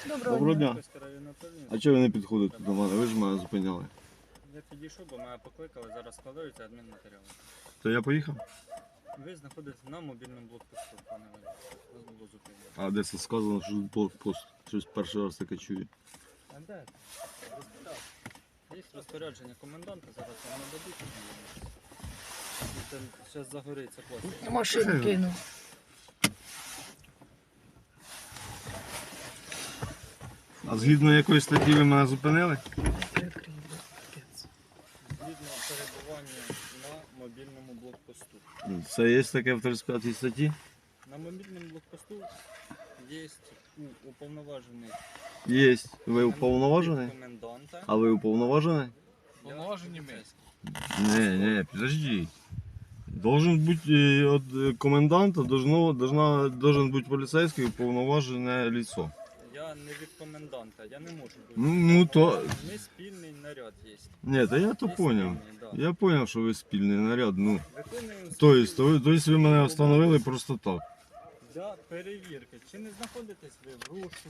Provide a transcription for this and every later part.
Доброго дня. А чого ви не підходите до мене? Ви ж мене зупиняли. Я підійшов, бо мене покликали, зараз складаються адмінматеріали. То я поїхав? Ви знаходитесь на мобільному блокпосту, пане Валерій. Вас було зупинено. А де це сказано, що тут блокпост? Щось перший раз таке чую. А де? Розпитав. Є розпорядження коменданта, зараз вам нададуть. Зараз загориться пластик. Машину кинув. А згідно якої статті ви мене зупинили? Згідно перебування на мобільному блокпосту. Це є таке в 35 статті? На мобільному блокпосту є уповноважений Є. Ви уповноважений? коменданта. А ви уповноважений? Уповноважені ми. Не, подожди. Должен бути від коменданта, должен бути поліцейський уповноважене лицо. Я не від коменданта, я не можу бути. Ну то... Ми спільний наряд є. Ні, та я то Є поняв. спільний, да. Я поняв, що ви спільний наряд, ну. Виконуємо Тобто ви мене встановили просто так. для перевірки. Чи не знаходитесь ви в розшуку?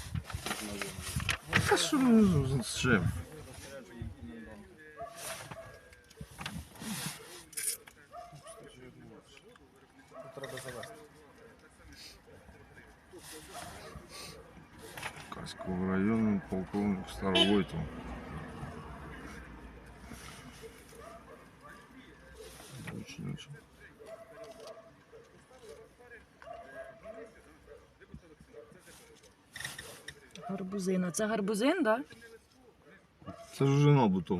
Та що ви з чим? Розпорядженням коменданта. Тут треба завести. Каського району, полковник Старовойтов. Очень. Гарбузина. Це гарбузин, так? Це ж уже набутов.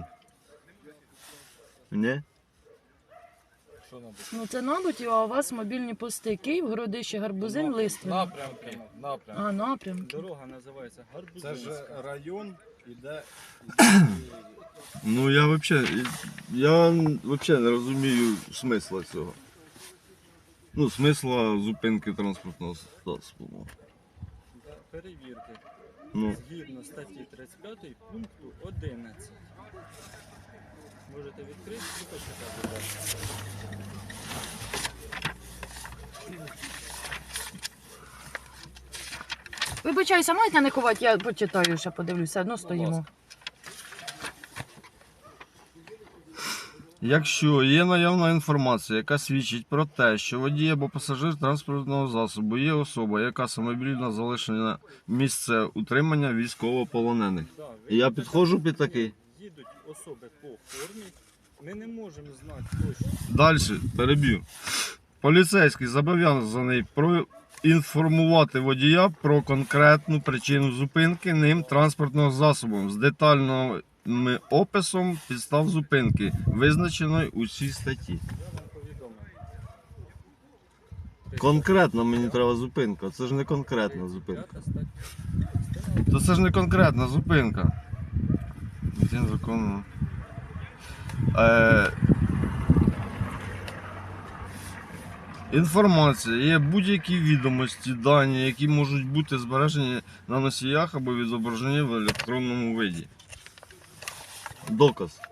Не? Що нам? Ну це набуті, а у вас мобільні пости. Київ, Городище, Гарбузин, Листвин. Напрямки. А, напрямки. Дорога називається Це Гарбузинська. ж район іде. Ну я вообще не розумію смисла цього. Ну, смисла зупинки транспортного засобу. Для перевірки. Ну, Згідно статті 35 пункту 11. Можете відкрити і почитати, будь ласка. Вибачаюся, маєте не ховати, я почитаю, ще подивлюся, одно стоїмо. якщо є наявна інформація, яка свідчить про те, що водій або пасажир транспортного засобу є особа, яка самовільно залишена місце утримання військовополонених. Да, І я підходжу під такий. Їдуть особи по формі. Ми не можемо знати точно. Далі, переб'ю. Поліцейський зобов'язаний проінформувати водія про конкретну причину зупинки ним транспортного засобу з детальним описом підстав зупинки, визначеної у цій статті. Я вам повідомив. Конкретно мені треба зупинка, це ж не конкретна зупинка. 35 стаття. То це ж не конкретна зупинка. Він законно. Інформація є будь-які відомості, дані, які можуть бути збережені на носіях або відображені в електронному виді. Доказ.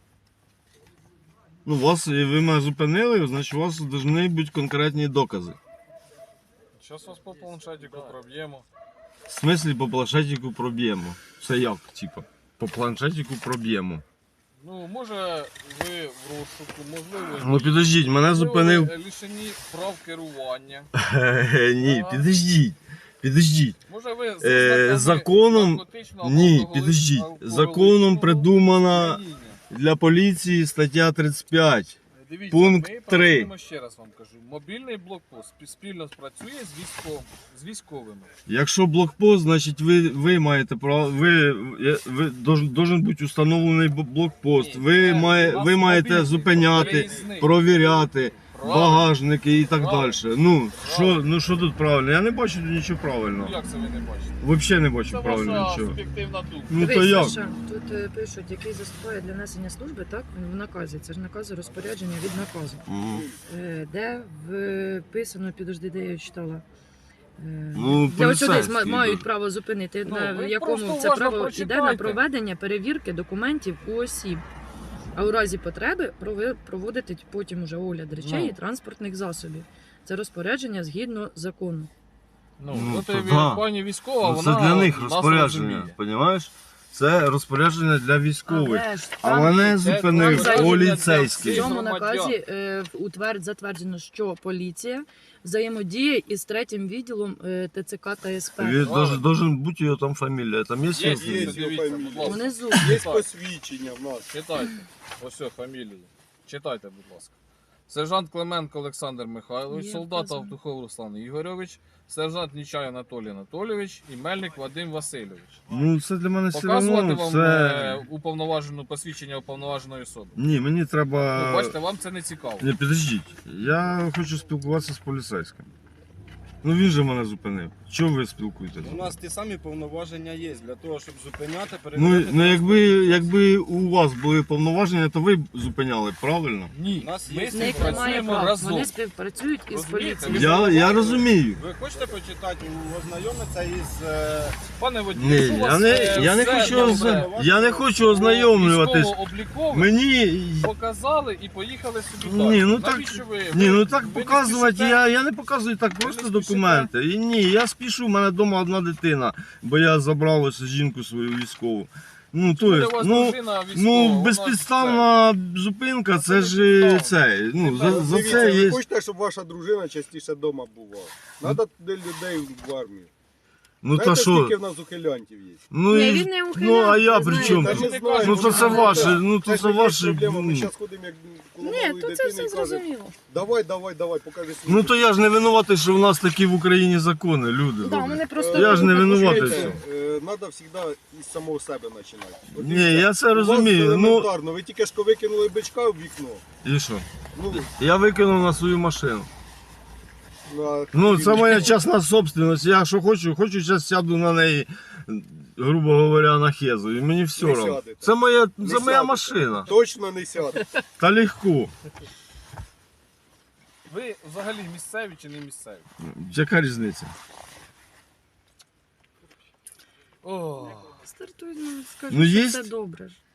Ну, ви мене зупинили, значить у вас повинні бути конкретні докази. Зараз вас по планшетику проб'ємо. В смислі по планшетику проб'ємо. Це як, типа? По планшетику проб'ємо. Ну, може ви в розшуку, можливо. Ну підождіть, мене зупинив. Ви лишені прав керування. Ні, підождіть. Може ви за законом- наркотичного або Ні, алкоголічного- підождіть. алкоголічного Законом придумана сп'яніння. для поліції стаття 35. Дивіться, пункт ми 3. працюємо, ще раз вам кажу. Мобільний блокпост спільно працює з військовими. Якщо блокпост, значить ви маєте право, должен бути установлений блокпост. Ні, Ви це у нас маєте мобільний зупиняти, переїзний. провіряти Правильно. багажники і так Правильно. далі. Ну що тут правильно? Я не бачу тут нічого Ну, правильного. як це ви не бачите? Взагалі не бачу Це правильно ваша нічого. суб'єктивна думка. Ну то Дивись, як? Саша, тут пишуть, який заступає для несення служби, так? В наказі. Це ж накази розпорядження від наказу. Мгм. Де вписано, підожди, де я читала. Ну, Для ось сюди поліцейський, мають да. право зупинити, Ну, на ви якому просто це уважно право йде прочитайте. на проведення перевірки документів у осіб. А у разі потреби проводити потім уже огляд речей Ну. і транспортних засобів. Це розпорядження згідно закону. Ну, от то да. пані військова, Ну, вона це для них нас розпорядження, розуміє. розумієш? Це розпорядження для військових. Але ж А там мене це зупинив розпорядження в поліцейський. цьому громадян. наказі затверджено, що поліція взаємодіє із третім відділом ТЦК та СП. Должен бути його там фамілія. Там є Є, його є, фамілія? дивіться, будь ласка. Внизу. Є посвідчення в нас. Читайте. Ось все, фамілії. Читайте, будь ласка. Сержант Клименко Олександр Михайлович, Є солдат вказано. Автухов Руслан Ігорович, сержант Нічай Анатолій Анатолійович і Мельник Вадим Васильович. Ну це для мене все Показувати одно. вам Це... уповноважену посвідчення уповноваженої особи. Ні, мені треба. Ну, бачите, вам це не цікаво. Ні, підождіть. Я хочу спілкуватися з поліцейським. Ну він же мене зупинив. Чого ви спілкуєтеся? У нас ті самі повноваження є для того, щоб зупиняти, Ну, перевіряти. ну якби у вас були повноваження, то ви б зупиняли, правильно? Ні, У нас ми є з В цим них немає працюємо прав. разом. Вони співпрацюють із Розумієте? поліцією. Я розумію. Ви хочете почитати, ознайомитися із... Пане водій, Ні, якщо у вас, я не все хочу добре, я не хочу ознайомлюватись. військово-облікове, Мені. показали і поїхали собі Ні, далі. ну так- Навіщо ви? Ні, ну ви так не показувати, спішите? я не показую так просто не спішите? документи. І ні, я спішу, в мене вдома одна дитина, бо я забрав ось жінку свою військову. Ну, то Буде є, у вас ну, дружина військова, ну вона безпідставна зупинка, це ж це. Ну, за Дивіться, це ви є. хочете, щоб ваша дружина частіше вдома бувала? Треба туди людей в армію. Ну та Знаєте, що? скільки в нас ухилянтів є? Ну, Ні, і- він не ну а я ухиляє, при ви чому? знаєте. Та не знаю, Ну то це може, ваше, да. ну то Це це ж є ваше. проблема. Ми ну. зараз ходимо як коло Ні, малої то це дитини все і кажемо, зрозуміло. давай, покажи свій. Ну то я ж не винуватий, що в нас такі в Україні закони, люди. Да, добрі. вони просто Я ж не винуватий. Треба завжди із самого себе починати. От Ні, дивіться, я це у вас розумію. Ну елементарно, ви тільки що викинули бичка в вікно. і що? Ну, Я викинув на свою машину. на... Ну, це моя частна собственность. Я що хочу, зараз сяду на неї, грубо говоря, на хезу. І мені все Не одно. сядете. Це моя сядете. машина. Точно не сяде. Та легко. Ви взагалі місцеві чи не місцеві? Яка різниця? О, стартуй, ну, скажи, Ну, що є? все добре ж.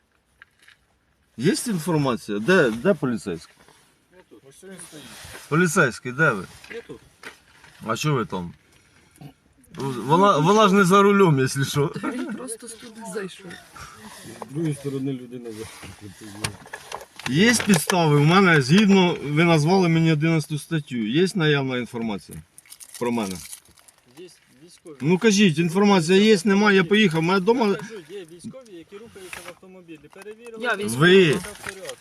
Є інформація? Де поліцейський? ось він стоїть. Поліцейський, де ви? Я тут. А що ви там? Вона ж не за рулем, якщо що. Він просто туди зайшов. З другої сторони людина Є підстави, у мене, згідно, ви назвали мені 11 статтю. Є наявна інформація про мене? Є військові. Ну кажіть, інформація є, немає, я поїхав. У мене вдома. Я кажу, є військові, які рухаються в автомобілі. Перевірили. Я все військовий. в порядку.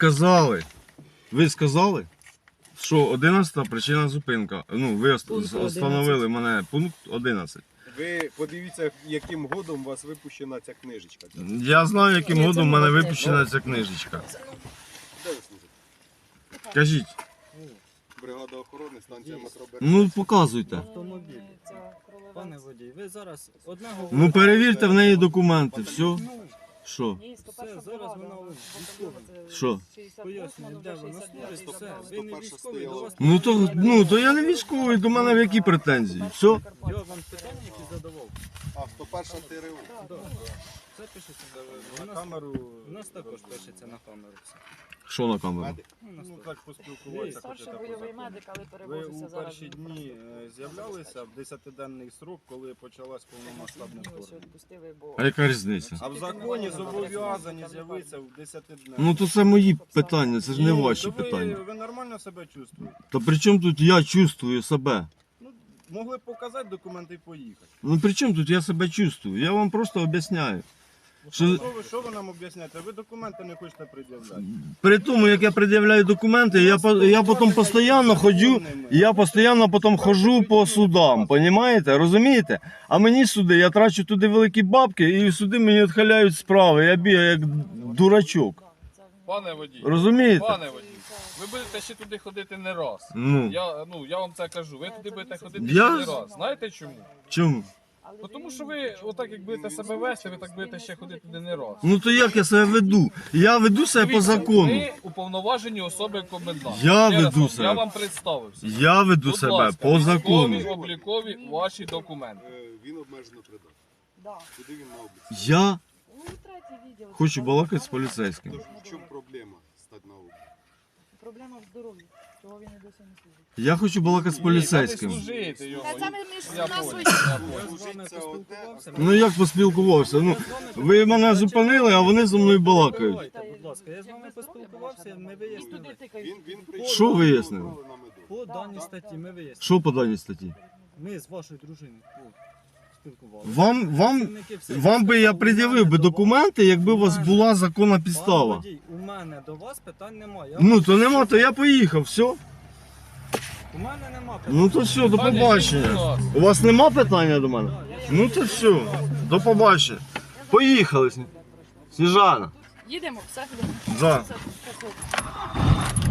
Ви сказали, що 11-та причина зупинка. Ну, ви Пункт встановили мене пункт 11. Ви подивіться, яким годом у вас випущена ця книжечка. Я знаю, яким Ні, це годом в мене молодець. випущена ця книжечка. Де ви служите? Кажіть, Бригада охорони, станція метро ну показуйте. Автомобіль. Пане водій, ви зараз одне говорите. Ну перевірте в неї документи, все. Що? Все, зараз вона військова. Що? Пояснює, де вона служить, все. Ви не військовий, до вас... Ну то я не військовий, до мене в які претензії? Все? Я вам питання, які задавав. А, 101 ТРУ. Да. Це пишеться На камеру. У нас також пишеться на камеру все. Що на камеру? Ну, у нас Ну так. так поспілкуватися хочете. Старший бойовий медик, але Ви перевозиться у зараз. перші дні з'являлися в 10-денний срок, коли почалась повномасштабне вторгнення. Відпустили, бо... А яка різниця? А в законі зобов'язані з'явитися в 10-денний. Ну то це мої питання, це ж не ваші питання. Ви нормально себе чувствуєте? Та при чому тут я чувствую себе? Ну, могли б показати документи і поїхати. Ну при чому тут я себе чувствую? Я вам просто об'ясняю. Що Що ви нам об'ясняєте? Ви документи не хочете пред'являти. при тому, як я пред'являю документи, я потім постійно ходжу, я постійно потім ходжу по судам, понімаєте? Розумієте? А мені суди, я трачу туди великі бабки, і суди мені відхиляють справи. Я бігаю як дурачок. Пане водій, Розумієте? пане водій, ви будете ще туди ходити не раз. Ну, Я вам це кажу, ви туди будете ходити Я- ще не раз. Знаєте чому? чому? Бо тому що ви отак як будете себе вести, ви так будете ще ходити туди не раз. Ну то як я себе веду? Я веду себе по Дивіться, закону. Ви уповноважені особи коменданта. Я Ще раз веду вам, себе. Я вам представився. Я веду Будь себе ласка, по закону. військові, облікові ваші документи. Він обмежено придатний. Да. Куди він на обліці? Я Ну, третій відділ. хочу балакати з поліцейським. Тож в чому проблема стати на обліці? Проблема в здоров'ї. Чого він і досі не служить? Я хочу балакати з поліцейським. Ні, та не служити його. Та це ми між Я нас понял, свої. я Я понял. з вами поспілкувався. Ну як поспілкувався? Ну, ви мене зупинили, а вони зі мною балакають. Давайте, будь ласка, я з вами поспілкувався, ми вияснили. Він прийшов. Що вияснили? По даній статті ми вияснили. Що по даній статті? Ми з вашою дружиною спілкувалися. Вам би я пред'явив би документи, якби у вас була законна підстава. Пан водій, у мене до вас питань немає. Я Ну вам- то нема, то я поїхав, все. У мене нема питань. Ну то все, до Пані, будь побачення. ласка. У вас нема питання до мене? Ну то все, до побачення. Поїхали. Сніжана. Їдемо, все. Да. Все, все, все.